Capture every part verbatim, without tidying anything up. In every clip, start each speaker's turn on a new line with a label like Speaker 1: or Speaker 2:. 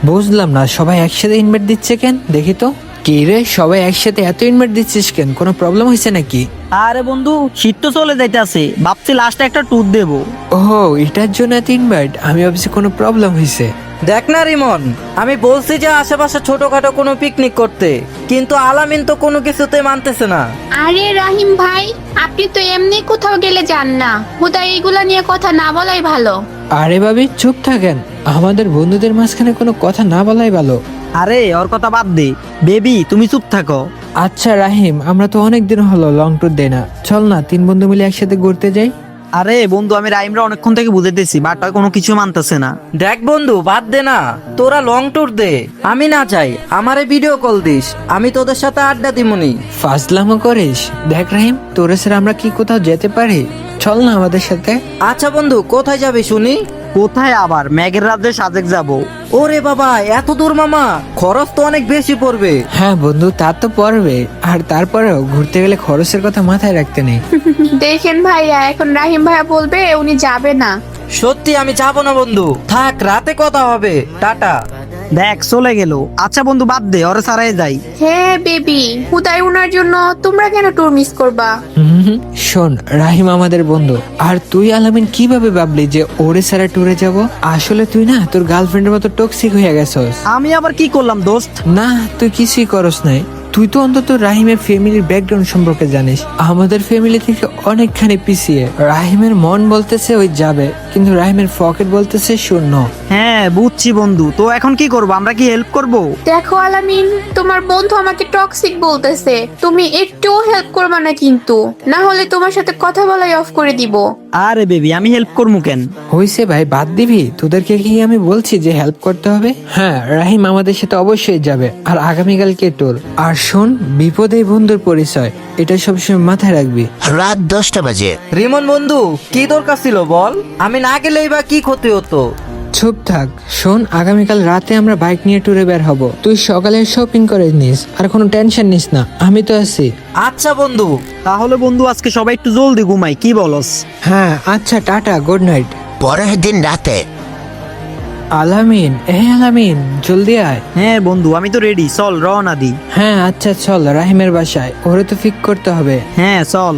Speaker 1: বুঝলাম না, সবাই একসাথে ইনভাইট দিচ্ছে কেন? দেখি তো। কি রে, সবাই একসাথে এত ইনভাইট দিচ্ছিস কেন? কোনো প্রবলেম হয়েছে নাকি?
Speaker 2: আরে বন্ধু, শীত তো চলে যাইতেছে, ভাবছি লাস্টে একটা ট্যুর দেবো।
Speaker 1: ও, এটার জন্য এত ইনভাইট? আমি ভাবছি কোনো প্রবলেম হয়েছে।
Speaker 3: দেখ না রিমন, আমি বলছি যে আশেপাশে ছোটখাটো কোনো পিকনিক করতে, কিন্তু আলামিন তো কোনো কিছুতে মানতেছে না।
Speaker 4: আরে রাহিম ভাই, আপনি তো এমনি কোথাও গেলে যান না, হুদা এইগুলা নিয়ে কথা না বলাই ভালো।
Speaker 1: আরে ভাবি, চুপ থাকেন। আমাদের বন্ধুদের মাঝখানে কোনো কথা না বলাই ভালো।
Speaker 2: আরে ওর কথা বাদ দে, বেবি তুমি চুপ থাকো।
Speaker 1: আচ্ছা রাহিম, আমরা তো অনেক দিন হলো লং ট্যুর দেই না, চল না তিন বন্ধু মিলে একসাথে ঘুরতে যাই।
Speaker 2: আরে বন্ধু, আমি রাইমরা অনেকক্ষণ থেকে বুঝাইতেছি, বাট ওই কোনো কিছু মানতেছে না।
Speaker 3: দেখ বন্ধু, বাদ দে না, তোরা লং ট্যুর দে, আমি না চাই আমারে ভিডিও কল দিস, আমি তোদের সাথে আড্ডা দিমুনি।
Speaker 1: ফাজলামো করিস? দেখ রাহিম, তোরে স্যার আমরা কি কোথাও যেতে পারি? চল না আমাদের সাথে।
Speaker 3: আচ্ছা বন্ধু, কোথায় যাবি শুনি?
Speaker 2: কোথায় আবার? ম্যাগের রাজ্যে সাজেক যাবো।
Speaker 3: ওরে বাবা, এত দূর মামা, খরচ তো অনেক বেশি পড়বে।
Speaker 1: হ্যাঁ বন্ধু, তা তো পড়বে, আর তারপরেও ঘুরতে গেলে খরচের কথা মাথায় রাখতে নেই।
Speaker 4: দেখেন ভাইয়া, এখন রাহিম ভাইয়া বলবে উনি যাবে না।
Speaker 3: সত্যি আমি যাবো না বন্ধু, থাক, রাতে কথা হবে, টাটা।
Speaker 2: দেখ চলে গেল। আচ্ছা বন্ধু বাদ দে, ওরে সারাই যাই।
Speaker 4: হ্যাঁ বেবি, হুদাই উনার জন্য তোমরা কেন ট্যুর মিস করবা?
Speaker 1: হুম হুম, শোন, রাহিম আমাদের বন্ধু, আর তুই আলামিন কিভাবে ভাবলি যে ওরে সারা ট্যুরে যাব? আসলে তুই না তোর গার্লফ্রেন্ডের মতো টক্সিক হয়ে গেছস।
Speaker 2: আমি আবার কি করলাম দোস্ত?
Speaker 1: না, তুই কিছুই করস নাই। তুই তো অন্তত রাহিমের ফ্যামিলির ব্যাকগ্রাউন্ড সম্পর্কে জানিস। আমাদের ফ্যামিলি থেকে অনেকখানি পিছিয়ে। রাহিমের মন বলতেছে ওই যাবে, কিন্তু রাহিমের পকেট বলতেছে শূন্য।
Speaker 2: হ্যাঁ বুঝছি বন্ধু, তো এখন কি করব? আমরা কি হেল্প করব?
Speaker 4: দেখো আলামিন, তোমার বন্ধু আমাকে টক্সিক বলতেছে, তুমি একটুও হেল্প করবা না কিন্তু, না হলে তোমার সাথে কথা বলাই অফ করে দিব।
Speaker 2: আরে বেবি, আমি হেল্প করবো কেন?
Speaker 1: হইছে ভাই, বাদ দিবি? তোদেরকে কি আমি বলছি যে হেল্প করতে হবে? হ্যাঁ, রাহিম আমাদের সাথে অবশ্যই যাবে, আর আগামীকালকে তোর। আর শোন, বিপদে বন্ধুর পরিচয়, এটা সবসময় মাথায় রাখবি।
Speaker 5: রাত দশটা বাজে।
Speaker 3: রিমন বন্ধু, কি দরকার ছিল বল? আমি না গেলেই বা কি ক্ষতি হতো?
Speaker 1: চুপ থাক। শোন, আগামীকাল রাতে আমরা বাইক নিয়ে ট্যুরে বের হব। তুই সকালে শপিং করে নিস, আর কোনো টেনশন নিস না, আমি তো আছি।
Speaker 3: আচ্ছা বন্ধু।
Speaker 2: তাহলে বন্ধু আজকে সবাই একটু জলদি ঘুমাই, কি বলস?
Speaker 1: হ্যাঁ আচ্ছা, টাটা, গুড নাইট।
Speaker 5: পরের দিন রাতে
Speaker 1: আলামিন, এ আলামিন, জলদি আয়।
Speaker 2: হ্যাঁ বন্ধু, আমি তো রেডি, চল রওনা দি।
Speaker 1: হ্যাঁ আচ্ছা চল, রাহিমের বাসায়, ওরে তো ফিক করতে হবে।
Speaker 2: হ্যাঁ চল।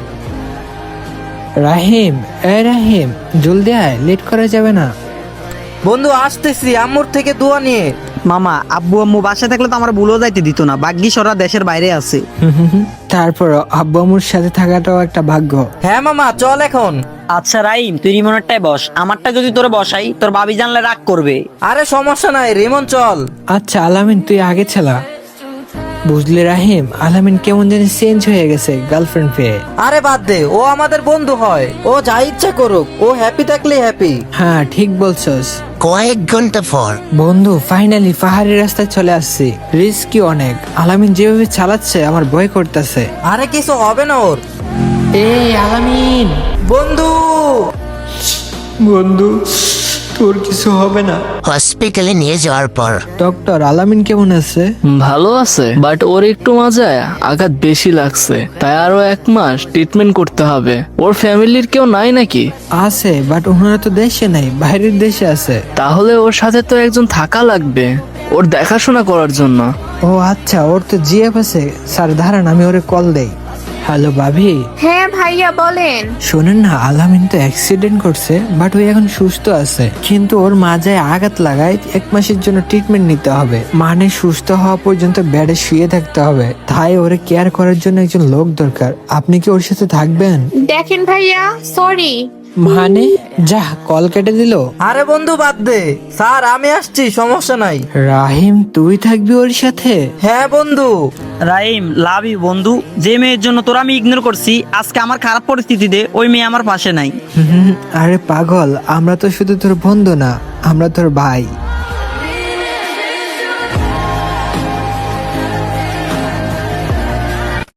Speaker 1: রাহিম, এ রাহিম, জলদি আয়, লেট করা যাবে না।
Speaker 3: বন্ধু আসতেছি, আম্মুর থেকে দোয়া নিয়ে।
Speaker 2: মামা, আব্বু আম্মু বাসায় থাকলে তো আমার ভুলও যাইতে দিত না, ভাগ্যিস ওরা দেশের বাইরে আছে।
Speaker 1: তারপর আব্বু আম্মুর সাথে থাকাটাও একটা ভাগ্য।
Speaker 3: হ্যাঁ মামা, চল এখন।
Speaker 2: আচ্ছা রাইম, তুই রিমনেরটাই বস, আমারটা যদি তোরে বসাই তোর ভাবি জানলে রাগ করবে।
Speaker 3: আরে সমস্যা নাই রিমন, চল।
Speaker 1: আচ্ছা আলামিন, তুই আগে ছেলা। বুঝলি রাহিম, আলামিন কেমন জানি চেঞ্জ হয়ে গেছে গার্লফ্রেন্ড পেয়ে।
Speaker 3: আরে বাদ দে, ও আমাদের বন্ধু হয়, ও যা ইচ্ছা করুক, ও হ্যাপি থাকলে হ্যাপি।
Speaker 1: হ্যাঁ ঠিক বলছস।
Speaker 5: কয়েক ঘন্টা পর
Speaker 1: বন্ধু, ফাইনালি পাহাড়ি রাস্তায় চলে আসছি। রিস্কি অনেক। আলামিন যেভাবে চালাচ্ছে আমার ভয় করতেছে।
Speaker 3: আরে কিছু হবে না ওর।
Speaker 1: এই আলামিন,
Speaker 3: বন্ধু,
Speaker 1: বন্ধু, তোর কিছু হবে না?
Speaker 5: হসপিটালে নিয়ে যাওয়ার পর
Speaker 1: ডক্টর, আলামিন কেমন আছে?
Speaker 6: ভালো আছে, বাট ওর একটু মাজায় আঘাত বেশি লাগছে, তাই আরো এক মাস ট্রিটমেন্ট করতে হবে। ওর ফ্যামিলির কেউ নাই নাকি?
Speaker 1: আছে, বাট ওনারা তো দেশে নাই, বাইরের দেশে আছে।
Speaker 6: তাহলে ওর সাথে তো একজন থাকা লাগবে ওর দেখাশোনা করার জন্য।
Speaker 1: ও আচ্ছা, ওর তো জিএফ আছে। স্যার দাঁড়ান, আমি ওরে কল দেই। হ্যালো ভাবি।
Speaker 4: হ্যাঁ ভাইয়া বলেন।
Speaker 1: শোনেন না, আলামিন তো অ্যাক্সিডেন্ট করছে, বাট ও এখন সুস্থ আছে, কিন্তু ওর মাজায় আঘাত লাগায় এক মাসের জন্য ট্রিটমেন্ট নিতে হবে। মানে সুস্থ হওয়া পর্যন্ত বেডে শুয়ে থাকতে হবে। তাই ওরে কেয়ার করার জন্য একজন লোক দরকার। আপনি কি ওর সাথে থাকবেন?
Speaker 4: দেখেন ভাইয়া, সরি।
Speaker 1: মানে যা, কল কেটে দিল।
Speaker 3: আরে বন্ধু বাদ দে, স্যার আমি আসছি, সমস্যা নাই।
Speaker 1: রাহিম, তুই থাকবি ওর সাথে?
Speaker 3: হ্যাঁ বন্ধু।
Speaker 2: রাইম, লাভ ইউ বন্ধু। যে মেয়ের জন্য তোরা আমি ইগনোর করছি, আজকে আমার খারাপ পরিস্থিতিতে ওই মেয়ে আমার পাশে নাই।
Speaker 1: হুম, আরে পাগল, আমরা তো শুধু তোর বন্ধু না, আমরা তোর ভাই।